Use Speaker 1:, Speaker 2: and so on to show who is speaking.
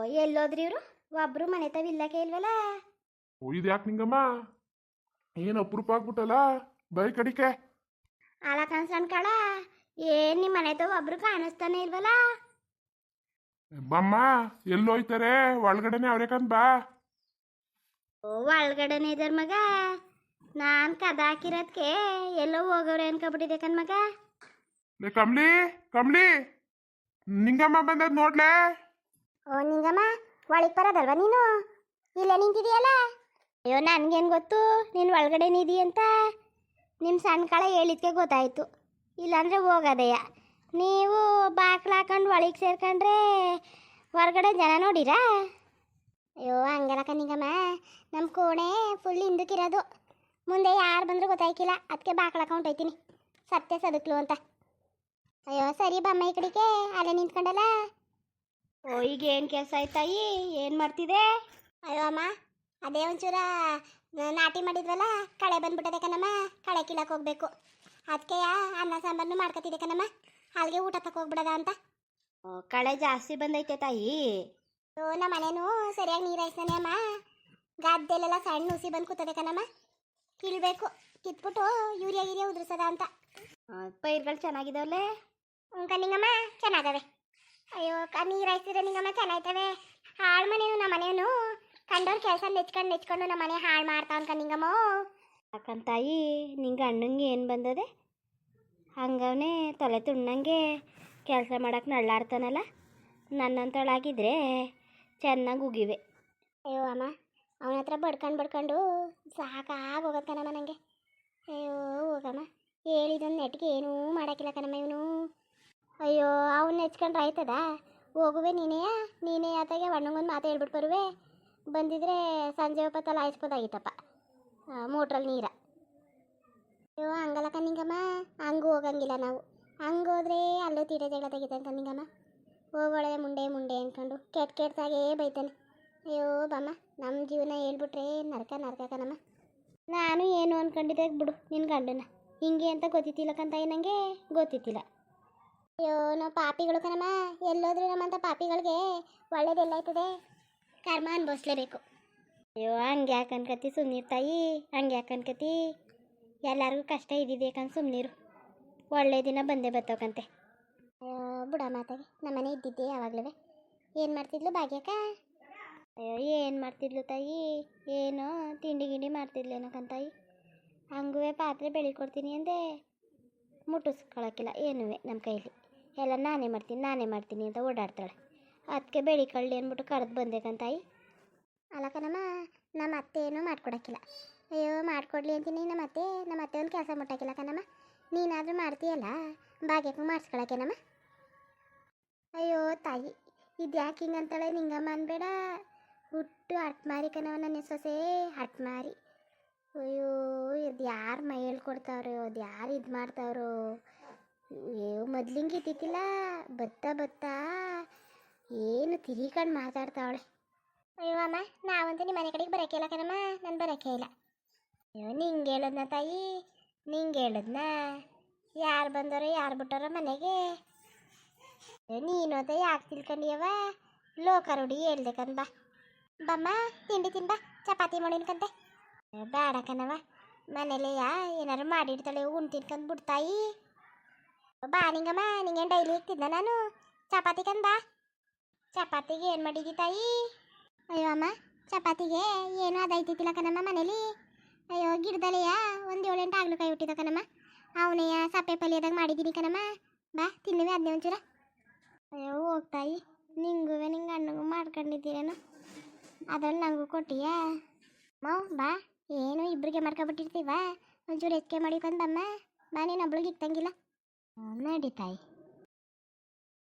Speaker 1: ಎಲ್ಲೋದ್ರಿ ಇವರು? ಒಬ್ರು ಮನೆ ತಾವ ಇಲ್ಲಕ್ಕೆ ಇಲ್ವಲ್ಲ?
Speaker 2: ಇದು ಯಾಕೆ ನಿಂಗಮ್ಮ? ಏನು ಅಪರೂಪ ಆಗ್ಬಿಟ್ಟಲ್ಲ ಬೈ ಕಡಿಕೆ.
Speaker 1: ಅಲ್ಲ ಕನ್ಸನ್ ಕಳ, ಏನ್ ನಿಮ್ಮ ಮನೆ ತಾವ ಒಬ್ರು ಕಾಣಿಸ್ತಾನೆ ಇಲ್ವಲ್ಲ?
Speaker 2: ಬಮ್ಮ ಎಲ್ಲೋಯ್ತಾರೆ? ಒಳಗಡೆನೆ ಅವ್ರೆ ಕಂದ್ ಬಾ.
Speaker 1: ಒಳಗಡೆನೆ ಇದಾರ ಮಗ. ನಾನ್ ಕದ ಹಾಕಿರೋದ್ಕೆ ಎಲ್ಲೋ ಹೋಗವ್ರೆ ಅನ್ಕೊಬಿಟ್ಟಿದೆ ಕಣ್ ಮಗ.
Speaker 2: ಕಮ್ಲಿ ಕಮ್ಲಿ, ನಿಂಗಮ್ಮ ಬಂದದ್ ನೋಡ್ಲೆ.
Speaker 1: ಓ ನಿಂಗಮ್ಮ, ಒಳಗ್ ಬರೋದಲ್ವಾ ನೀನು? ಇಲ್ಲ ನಿಂತಿದೀಯಲ್ಲ. ಅಯ್ಯೋ ನನ್ಗೇನು ಗೊತ್ತು ನೀನು ಒಳಗಡೆ ನಿಧಿ ಅಂತ. ನಿಮ್ಮ ಸಣ್ಣ ಕಳ ಹೇಳಿದ್ಕೆ ಗೊತ್ತಾಯ್ತು, ಇಲ್ಲಾಂದ್ರೆ ಹೋಗೋದಯ್ಯ. ನೀವು ಬಾಕ್ಲು ಹಾಕೊಂಡು ಒಳಗೆ ಸೇರ್ಕೊಂಡ್ರೆ ಹೊರಗಡೆ ಜನ ನೋಡಿರಾ? ಅಯ್ಯೋ ಹಂಗಲ್ಲ ಕಣ್ಣಿಂಗಮ್ಮ, ನಮ್ಮ ಕೋಣೆ ಫುಲ್ ಹಿಂದಕ್ಕಿರೋದು. ಮುಂದೆ ಯಾರು ಬಂದರೂ ಗೊತ್ತಾಯ್ಕಿಲ್ಲ, ಅದಕ್ಕೆ ಬಾಕ್ಲು ಹಾಕೊಂಡು ಹೋಯ್ತೀನಿ ಸತ್ಯ ಸದಕ್ಲು ಅಂತ. ಅಯ್ಯೋ ಸರಿ ಬಮ್ಮ ಈ ಕಡೆಗೆ, ಅಲ್ಲೇ ನಿಂತ್ಕೊಂಡಲ್ಲ. ಓ ಈಗ ಏನು ಕೆಲಸ ಆಯ್ತಾಯಿ? ಏನು ಮಾಡ್ತಿದೆ? ಅಯ್ಯೋ ಅಮ್ಮ, ಅದೇ ಒಂಚೂರ ನಾಟಿ ಮಾಡಿದ್ವಲ್ಲ, ಕಳೆ ಬಂದ್ಬಿಟ್ಟದೆ ಕಣಮ್ಮ. ಕಳೆ ಕೀಳಕ್ಕೆ ಹೋಗ್ಬೇಕು, ಅದಕ್ಕೆ ಅನ್ನ ಸಾಂಬಾರನ್ನು ಮಾಡ್ಕೊತಿದ್ದೆ ಕಣಮ್ಮ. ಅಲ್ಲಿಗೆ ಊಟ ತಗೋಗ್ಬಿಡದ ಅಂತ. ಕಳೆ ಜಾಸ್ತಿ ಬಂದೈತೆ ತಾಯಿ. ನಮ್ಮ ಮನೇನು ಸರಿಯಾಗಿ ನೀರಾಯ್ತಾನೆ ಅಮ್ಮ. ಗದ್ದೆಲೆಲ್ಲ ಸಣ್ಣ ಹುಸಿ ಬಂದು ಕೂತದೆ ಕಣಮ್ಮ. ಕೀಳ್ಬೇಕು, ಕಿತ್ಬಿಟ್ಟು ಯೂರಿಯಾ ಗಿರಿಯಾ ಉದುರಿಸದ ಅಂತ. ಪೈರ್ಗಳು ಚೆನ್ನಾಗಿದಾವಲ್ಲೇ? ಕಣ್ಣಿಂಗಮ್ಮ ಚೆನ್ನಾಗವೆ. ಅಯ್ಯೋ ನೀರಾಯ್ತಿದ್ರೆ ನಿಂಗಮ್ಮ ಚೆನ್ನಾಯ್ತವೆ. ಹಾಳು ಮನೇನು ನಮ್ಮ ಮನೇನು ಕಂಡವ್ರ ಕೆಲಸ ನೆಚ್ಕೊಂಡು ನಮ್ಮ ಮನೆ ಹಾಳು ಮಾಡ್ತಾವ ಕಣ್ಣಿಂಗಮ್ಮ. ಯಾಕಂತಾಯಿ ನಿಂಗೆ ಅಣ್ಣಂಗೆ ಏನು ಬಂದದೆ? ಹಂಗವನೇ ತಲೆ ತುಣ್ಣಂಗೆ ಕೆಲಸ ಮಾಡಕ್ಕೆ ನಳ್ಳಾಡ್ತಾನಲ್ಲ. ನನ್ನಂತಳಾಗಿದ್ರೆ ಚೆನ್ನಾಗಿ ಉಗಿವೆ. ಅಯ್ಯೋ ಅಮ್ಮ, ಅವನ ಹತ್ರ ಬಡ್ಕೊಂಡು ಸಾಕಾಗೋಗತ್ತೆ ಕಣಮ್ಮ ನನಗೆ. ಅಯ್ಯೋ ಹೋಗಮ್ಮ, ಹೇಳಿದೊಂದು ನೆಟ್ಟಿಗೆ ಏನೂ ಮಾಡೋಕ್ಕಿಲ್ಲ ಕಣಮ್ಮ ಇವನು. ಅಯ್ಯೋ ಅವನ್ನ ನೆಚ್ಕೊಂಡ್ರೆ ಆಯ್ತದ? ಹೋಗುವೆ ನೀನೇ ಆತಾಗೆ ಅಣ್ಣಂಗೊಂದು ಮಾತು ಹೇಳ್ಬಿಟ್ಟು ಬರುವೆ. ಬಂದಿದ್ರೆ ಸಂಜೆ ಹೊತ್ತಲ್ಲ ಹಾಯಿಸ್ಬೋದಾಗಿತ್ತಪ್ಪ ಮೋಟ್ರಲ್ಲಿ ನೀರ. ಅಯ್ಯೋ ಹಂಗಲ್ಲ ಕಣ್ಣಿಂಗಮ್ಮ, ಹಂಗೂ ಹೋಗಂಗಿಲ್ಲ ನಾವು. ಹಂಗೋದ್ರೆ ಅಲ್ಲೂ ತೀಟೆ ಜಗಳ ತೆಗಿತಾನೆ ಕಣ್ಣಿಂಗಮ್ಮ. ಹೋಗೋಳೆ ಮುಂಡೆ ಅಂದ್ಕೊಂಡು ಕೆಟ್ಟಾಗೇ ಬೈತಾನೆ. ಅಯ್ಯೋ ಬಮ್ಮ, ನಮ್ಮ ಜೀವನ ಹೇಳ್ಬಿಟ್ರೆ ನರಕ ಕಣಮ್ಮ. ನಾನು ಏನು ಅಂದ್ಕೊಂಡಿದ್ದೆ ಬಿಡು ನಿನ್ನ ಗಂಡನ ಹಿಂಗೆ ಅಂತ ಗೊತ್ತಿತ್ತಿಲ್ಲ ಕಂತಾಯಿ, ನನಗೆ ಗೊತ್ತಿತ್ತಿಲ್ಲ. ಅಯ್ಯೋ ನಾವು ಪಾಪಿಗಳು ಕಣಮ್ಮ. ಎಲ್ಲೋದ್ರೂ ನಮ್ಮಂಥ ಪಾಪಿಗಳಿಗೆ ಒಳ್ಳೇದೆಲ್ಲಾಯ್ತದೆ? ಕರ್ಮ ಅನ್ಭವಿಸ್ಲೇಬೇಕು. ಅಯ್ಯೋ ಹಂಗೆ ಯಾಕೆ ಅನ್ಕತಿ ಸುಮ್ಮನಿರು ತಾಯಿ, ಹಂಗೆ ಯಾಕೆ ಅನ್ಕತಿ? ಎಲ್ಲರಿಗೂ ಕಷ್ಟ ಇದ್ದಿದೆ ಯಾಕಂತ ಸುಮ್ಮನಿರು, ಒಳ್ಳೆ ದಿನ ಬಂದೇ ಬರ್ತವಕಂತೆ. ಅಯ್ಯೋ ಬುಡ ಮಾತಾಗಿ ನಮ್ಮನೆ ಇದ್ದಿದ್ದೆ ಯಾವಾಗಲೂ. ಏನು ಮಾಡ್ತಿದ್ಲು ಭಾಗ್ಯಕ್ಕ? ಅಯ್ಯೋ ಏನು ಮಾಡ್ತಿದ್ಲು ತಾಯಿ? ಏನೋ ತಿಂಡಿ ಗಿಂಡಿ ಮಾಡ್ತಿದ್ಲೇನೋ ಕಂತಾಯಿ. ಹಂಗೂ ಪಾತ್ರೆ ಬೆಳಿಕೊಡ್ತೀನಿ ಅಂದೆ, ಮುಟ್ಟಿಸ್ಕೊಳಕ್ಕಿಲ್ಲ ಏನುವೆ ನಮ್ಮ ಕೈಲಿ. ಎಲ್ಲ ನಾನೇ ಮಾಡ್ತೀನಿ ಅಂತ ಓಡಾಡ್ತಾಳೆ. ಅದಕ್ಕೆ ಬೆಳಿಕೊಳ್ಳಿ ಅಂದ್ಬಿಟ್ಟು ಕರೆದು ಬಂದೇಕಂತಾಯಿ. ಅಲ್ಲ ಕಣಮ್ಮ, ನಮ್ಮ ಅತ್ತೆ ಏನೂ ಮಾಡ್ಕೊಡಕ್ಕಿಲ್ಲ. ಅಯ್ಯೋ ಮಾಡ್ಕೊಡ್ಲಿ ಅಂತೀನಿ, ನಮ್ಮ ಅತ್ತೆ ಒಂದು ಕೆಲಸ ಮುಟ್ಟಾಕಿಲ್ಲ ಕಣಮ್ಮ. ನೀನಾದರೂ ಮಾಡ್ತೀಯಲ್ಲ, ಭಾಗ್ಯಕ್ಕೂ ಮಾಡಿಸ್ಕೊಳಕೇನಮ್ಮ. ಅಯ್ಯೋ ತಾಯಿ, ಇದು ಯಾಕೆ ಹಿಂಗಂತಾಳೆ ನಿಂಗಮ್ಮ ಅನ್ಬೇಡ. ಹುಟ್ಟು ಹಟ್ಮಾರಿ ಕಣವ ನನ್ನ ಸೊಸೆ, ಹಟ್ಮಾರಿ. ಅಯ್ಯೋ ಇದು ಯಾರು ಮೈ ಹೇಳ್ಕೊಡ್ತಾವ್ರೋ, ಅದು ಯಾರು ಇದು ಮಾಡ್ತಾವ್ರೋ. ಅಯ್ಯೋ ಮೊದ್ಲಿಂಗೆ ಇದ್ದಿತ್ತಿಲ್ಲ, ಬತ್ತಾ ಏನು ತಿರಿಕೊಂಡು ಮಾತಾಡ್ತಾವಳೆ. ಅಯ್ಯೋ ಅಮ್ಮ, ನಾವಂತೂ ನಿಮ್ಮ ಮನೆ ಕಡೆಗೆ ಬರೋಕೆ ಇಲ್ಲ ಕಣಮ್ಮ, ನಾನು ಬರೋಕೆ ಇಲ್ಲ. ಅಯ್ಯೋ ನಿಂಗೆ ಹೇಳದ್ನ ತಾಯಿ, ನಿಂಗೆ ಹೇಳದ್ನ? ಯಾರು ಬಂದರೋ ಯಾರು ಬಿಟ್ಟಾರೋ ಮನೆಗೆ? ನೀನು ಅಂತ ಯಾಕೆ ತಿಳ್ಕೊಂಡಿಯವ? ಲೋಕರುಡಿ ಹೇಳ್ಬೇಕಂದ ಬಮ್ಮ. ತಿಂಡಿ ತಿನ್ಬಾ, ಚಪಾತಿ ಮಾಡಿನ್ಕಂತೆ. ಬೇಡ ಕಣವ, ಮನೇಲೆಯಾ ಏನಾರು ಮಾಡಿಡ್ತಾಳೆ ಉಣ್ ತಿನ್ಕಂದು ಬಿಡ್ತಾಯಿ. ಬಾ ನಿಂಗಮ್ಮ, ನಿಂಗೇನು ಡೈಲಿ ಇಕ್ತಿದ್ದ ನಾನು ಚಪಾತಿ ಕಂದ. ಚಪಾತಿಗೆ ಏನು ಮಾಡಿದ್ದಿ ತಾಯಿ? ಅಯ್ಯೋ ಅಮ್ಮ, ಚಪಾತಿಗೆ ಏನೂ ಅದೈತಿಲ್ಲ ಕಣಮ್ಮ ಮನೇಲಿ. ಅಯ್ಯೋ ಗಿಡದಲೆಯ ಒಂದು 7-8 ಆಗ್ಲಕಾಯಿ ಹುಟ್ಟಿದ ಕಣಮ್ಮ, ಅವನೆಯ ಸಪ್ಪೆ ಪಲ್ಯದಾಗ ಮಾಡಿದ್ದೀನಿ ಕಣಮ್ಮ. ಬಾ ತಿನ್ನುವೆ ಅದನ್ನೇ ಒಂಚೂರ. ಅಯ್ಯೋ ಹೋಗ್ತಾಯಿ, ನಿಂಗೆ ಅಣ್ಣಗೂ ಮಾಡ್ಕೊಂಡಿದ್ದೀರೇನು, ಅದ್ರಲ್ಲಿ ನನಗೂ ಕೊಟ್ಟಿಯಾ? ಬಾ, ಏನು ಇಬ್ಬರಿಗೆ ಮಾಡ್ಕೊಬಿಟ್ಟಿರ್ತೀವ, ಒಂಚೂರು ಹೆಚ್ಚಿಗೆ ಮಾಡಿಕೊಂಡು ಬಮ್ಮ. ಬಾ ನೀನು ಒಬ್ಳಿಗೆ ಇಕ್ತಂಗಿಲ್ಲ. ನಡಿ ತಾಯಿ.